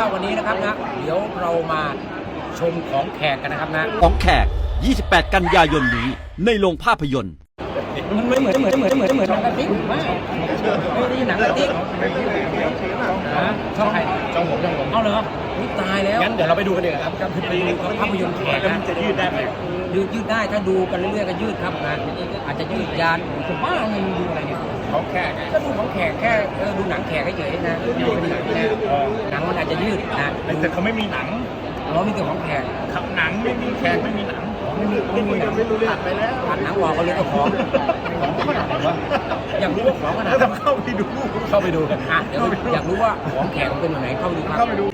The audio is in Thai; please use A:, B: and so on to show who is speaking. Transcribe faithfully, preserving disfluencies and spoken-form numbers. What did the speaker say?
A: วันนี้นะครับนะเดี๋ยวเรามาชมของแขกกันนะครับนะ
B: ของแขก ยี่สิบแปด กันยายนนี้ในโรงภาพยนตร์
A: มันไม่เหมือนเหมือนเหมือนเหมือนเหมือนหนังกระติ๊กไม่ไม่ได้หนังกระติ๊กนะชอบใคร
C: จ้องผมจ้องผม
A: เอาเหรออุ๊ยตายแล้ว
C: งั้นเดี๋ยวเราไปดูกันดีกว่าครับ
A: ไปดูภาพยนตร์แขก
C: แล้ว
A: นะ
C: มันจะยืดได้ไหม
A: ยืดยืดได้ถ้าดูกันเรื่อยๆก็ยืดครับนะอาจจะยืดยานผมว่าเงินดูอะไรเนี่ย
C: เขาแค่ไง
A: ก็ดูของแขกแค่เออดูหนังแขกเฉยๆนะดูเป็นหนังนะหนังมันอาจจะยืดนะ
C: แต่เขาไม่มีหนัง
A: เรามีแต่ของแขก
C: ครับหนังไม่มีแขกไม่มีหนัง
A: ไม่มีไม่มีหนัง
C: ไม่รู้ตัดไปแล้ว
A: ตัดหนังออกก็เลยก็ของของขนาดไหนวะอยากรู้ว่าของขนาด
C: แล้ว
A: ไหน
C: จะเข้าไปดู
A: เข้าไปดูกันอ่ะเดี๋ยวอยากรู้ว่าของแขกมันเป็นยังไงเข้าไปดูครับ
C: เข้าไปดู